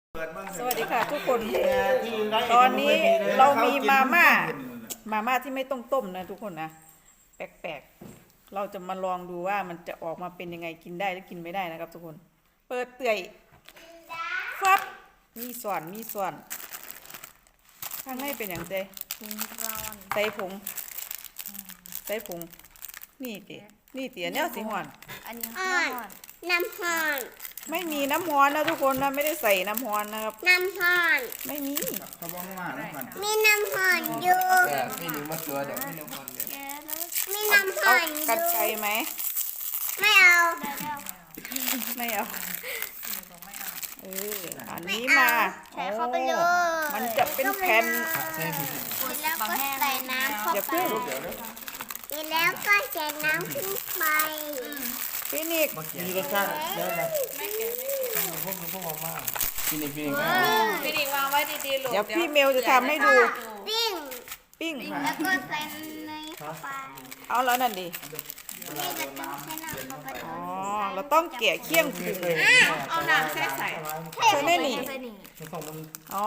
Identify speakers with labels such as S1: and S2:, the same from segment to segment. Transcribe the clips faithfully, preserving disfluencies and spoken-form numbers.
S1: สวัสดีค่ะทุกคนตอนนี้เรามีมาม่ามาม่าที่ไม่ต้องต้มนะทุกคนนะแปลกๆเราจะมาลองดูว่ามันจะออกมาเป็นยังไงกินได้หรือกินไม่ได้นะครับทุกคนเปิดเตื่อยฟับมีส่วนมีส่วนข้างในเป็นอย่างไรใส่ผงใส่ผงนี่ตินี่ติอันนี้สีหวาน
S2: อันนี้
S3: อ่อนน้ำหอน
S1: ไม่มีน้ำฮ้อนนะทุกคนนะไม่ได้ใส่น้ำฮ้อนนะครับ
S3: น้ำหอน
S1: ไม่มี
S4: เขาบอกว่าน้ำมัน
S3: มีน้ำหอนอยู่
S4: แต่ไม่รู้ว่าตัวเดี๋ยวไม่น้ำมันเดี๋ยว
S2: แกแล้ว
S3: มีน้ำห
S1: เอา
S3: อนอ
S1: กัด
S3: ยู่
S1: ไก่ไหม
S3: ไม่เอา
S2: ได้แล้ว
S1: ไม่เอาเอออันนี้
S3: ไม่
S1: มา
S3: เอาใส่เข้าไปเลย
S1: มันจะเป็นแผ่น
S4: ใช่ผิด
S3: เสร็จแล้วก็ใส่น้ำเข้า
S1: อย่า
S3: ไป
S1: เพิ่ง
S4: เดี๋ยวนะ
S3: เสร็จแล้วก็ใส่น้ำขึ้นไป
S1: ฟินิก
S4: มีรสชาติเยอะนะพวกพวกมาม่าฟินิกฟินิก
S2: พี่ดิวางไว้ดีๆลูก
S1: เดี๋ยวพี่เมลจะทำให้ดู
S3: ปิ้ง
S1: ปิ้ง
S3: แล้วก็ใส่เนยเข้าไป
S1: เอาแล้วนั่นดิ
S3: นี่ก็ต้องใส่น้ำเข้าไป
S1: อ๋อเราต้องแกะเคี่ยงผึ่ง
S2: เอาน้ำแช่ใส่
S1: ใช่ไหมนี่
S2: ใส่หนี
S4: มันส่งมัน
S1: อ๋อ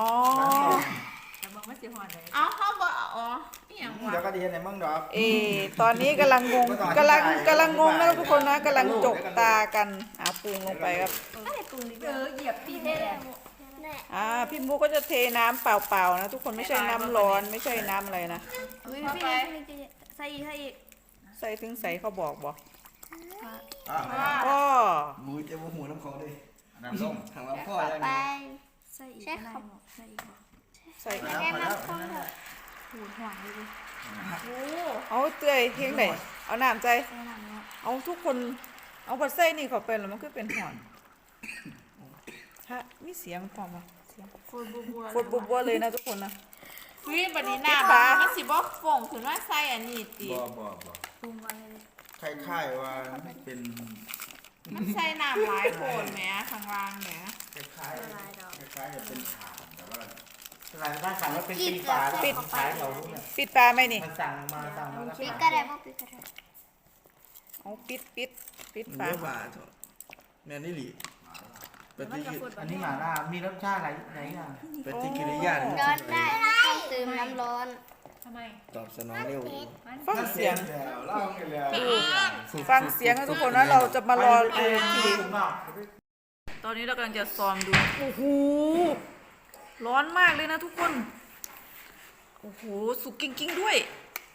S2: เอาเขาบอกอ๋อนี่อย่างวะ
S4: เดี๋ยวก็ดีในมั่งดอก
S1: เออตอนนี้กำลังงงกำลังกำลังงงนะทุกคนนะกำลังจกตากันอ่ะปรุงลงไปครับ
S2: เออเหยียบตีแดง
S1: อ่าพี่มุกก็จะเทน้ำเปล่าๆนะทุกคนไม่ใช่น้ำร้อนไม่ใช่น้ำอะไรนะ
S2: อุ้ยพี่ใส่อีกใส่อีก
S1: ใส่ถึงใส่เขาบอกบอก
S4: อ่ะ
S1: ก็
S4: หมูจะมาหูน้ำเขาดิน้ำส้มทางเราพ่ออะไร
S3: ไป
S2: ใส่อีกใส่ใส่อีก
S1: ใส่
S3: แล้วน้ำข้น
S2: หูหวานเลยโอ้
S1: เอาเตยเพียงไหนเอาน้ำใจ
S2: ใส่น้ำเนาะ
S1: เอาทุกคนเอาผัดไส้นี่เข้าไปแล้วมันก็เป็นหอนฮะมีเสียงพอมาเสียง
S2: ฟูบัวบัว
S1: ฟดบัวๆเลยนะทุกคนนะ
S2: วิบันนี้น้ำมันสิบอกฟงถึงว่าใส่อันนี้ตี
S4: บ่บ่บ่
S2: ปรุงไว้เลย
S4: คล้ายๆว่าเป็น
S2: มันใส่น้ำหลายโคนแหมข้างล่างแหม
S4: คล้ายๆคล้ายๆจะเป็นขาแต่ว่าหลายบ้านสั่งว่าเป็นปีฝา
S1: ปิด
S4: ขายเราเนี่ย
S1: ปิดปลาไหมนี่
S4: มันสั่งมาสั่งมาแล้ว
S3: ปิดก็ได้บ่ปิดก็ได้
S1: เอาปิดปิดปิด
S4: เนื้
S1: ฝา
S4: อปลาเถอะแม่นี่หลีปฏิกิริยาอันนี้หม่าล่ามีรสชาติอะไรไหนอ่ะปฏิกิริยา
S3: ร้อนได้ต้องเติมน้ำร้อน
S2: ทำไม
S4: ตอบสนองเร็ว
S1: ฟังเสียง
S4: เล่ากันแล้ว
S1: ฟังเสียงนะทุกคนนะเราจะมารอดูทีตอนนี้เรากำลังจะซ้อมดูโอ้โหร้อนมากเลยนะทุกคนโอ้โหสุกกิ้งๆด้วย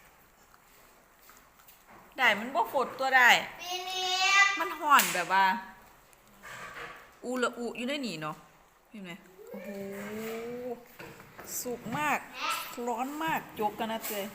S1: ได้มันบ่ฝดตัวได้
S3: ปีนี้
S1: มันห่อนแบบว่า อูละอูอยู่ในนี่เนาะเห็นไหมโอ้โห สุกมาก ร้อนมากยกกันนะเจย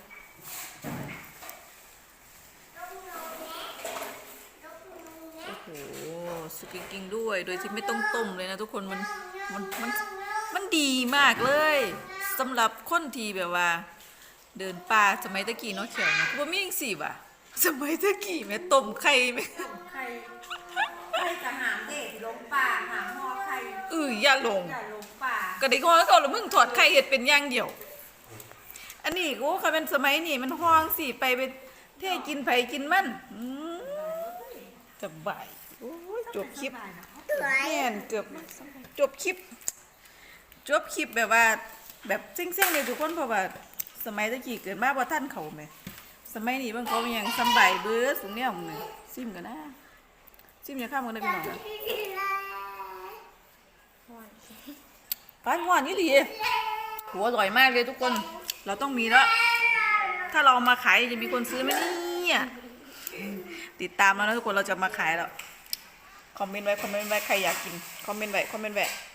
S1: โอ้โห สุกจริงๆด้วย โดยที่ไม่ต้องต้มเลยนะทุกคน มัน มัน มัน มันดีมากเลยสำหรับคนที่แบบว่า เดินป่าสมัยตะกี้เนาะเขียวนะว่ามีอย่างสี่ว่ะสมัยตะกี้แม่ต้มไข่ไหม
S2: ใครใครจะหามเด็กลงป่าหามหอใคร
S1: เอออย่าลง
S2: อย่าลงป่า
S1: ก็ได้ข้อเขาแล้วมึงถอดไข่เห็ดเป็นอย่างเดียว อันนี้กูเขาเป็นสมัยนี้มันห้องสิไปไปเท่กินไผกินมันอืมสบายโอ้ยจบคลิป
S3: สวย
S1: แม่นเกือบจบคลิป จบคลิปแบบว่า แบบเซ็งๆเลยทุกคนเพราะว่า สมัยตะกี้เกิดมาบ่ทันเขาแหมสมัยนี้บางเขามีหยังสำบายเบิดสูงแนวมึงนี่ซิมกันนะซิมอย่าข้ามกันได้พี่น้องนะปานหวานนี่ดีหัวอร่อยมากเลยทุกคน เราต้องมีแล้ว ถ้าเราเอามาขายจะมีคนซื้อไหมเนี่ยติดตามแล้วนะทุกคนเราจะมาขายแล้ว คอมเมนต์ไว้ คอมเมนต์ไว้ ใครอยากกิน คอมเมนต์ไว้ คอมเมนต์ไว้